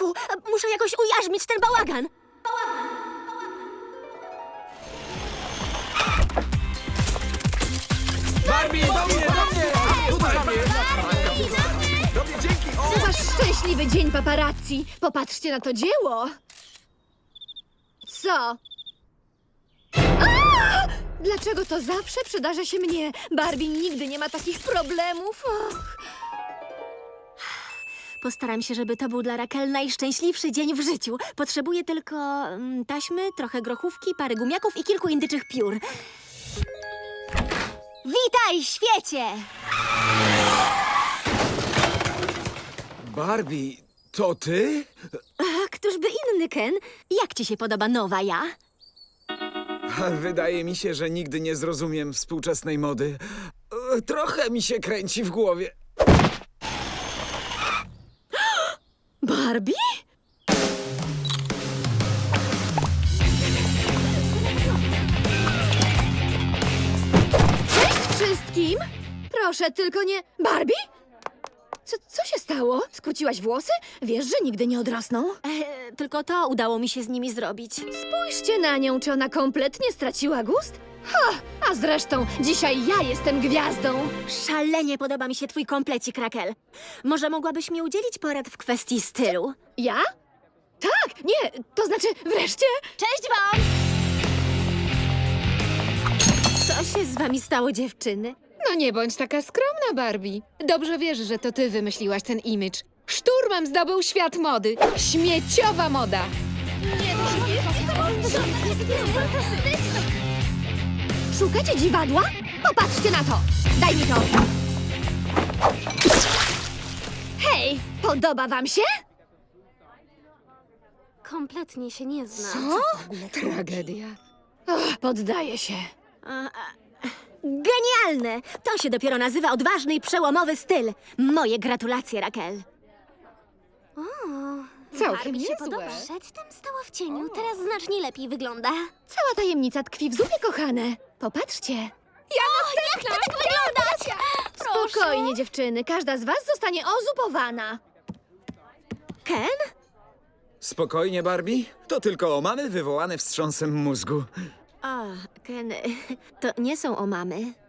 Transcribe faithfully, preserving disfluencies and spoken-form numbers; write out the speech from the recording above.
Ojejku, muszę jakoś ujarzmić ten bałagan. Barbie, do mnie, do mnie! Tutaj do mnie! Do mnie, dzięki! O! To wasz szczęśliwy dzień paparazzi. Popatrzcie na to dzieło. Co? A! Dlaczego to zawsze przydarza się mnie? Barbie nigdy nie ma takich problemów. Och. Postaram się, żeby to był dla Raquel najszczęśliwszy dzień w życiu. Potrzebuję tylko mm, taśmy, trochę grochówki, parę gumiaków i kilku indyczych piór. Witaj, świecie! Barbie, to ty? A któż by inny, Ken? Jak ci się podoba nowa ja? Wydaje mi się, że nigdy nie zrozumiem współczesnej mody. E, Trochę mi się kręci w głowie. Barbie? Cześć wszystkim! Proszę, tylko nie... Barbie? Co, co się stało? Skróciłaś włosy? Wiesz, że nigdy nie odrosną? E, tylko to udało mi się z nimi zrobić. Spójrzcie na nią, czy ona kompletnie straciła gust? Ha! A zresztą, dzisiaj ja jestem gwiazdą. Szalenie podoba mi się twój komplecik, Raquel. Może mogłabyś mi udzielić porad w kwestii stylu? Ja? Tak, nie, to znaczy wreszcie... Cześć wam! Co się z wami stało, dziewczyny? No nie bądź taka skromna, Barbie. Dobrze wiesz, że to ty wymyśliłaś ten imidż. Szturmem zdobył świat mody. Śmieciowa moda. Szukacie dziwadła? Popatrzcie na to! Daj mi to! Hej, podoba wam się? Kompletnie się nie znam. Co? Tragedia. Och, poddaję się. Genialne! To się dopiero nazywa odważny i przełomowy styl. Moje gratulacje, Raquel. Całkiem Barbie się niezłe. podoba. Przedtem stała w cieniu, teraz znacznie lepiej wygląda. Cała tajemnica tkwi w zupie, kochane. Popatrzcie. Jak chcę tak wyglądać? Spokojnie, dziewczyny. Każda z was zostanie ozupowana. Ken? Spokojnie, Barbie. To tylko omamy wywołane wstrząsem mózgu. O, Ken, to nie są omamy.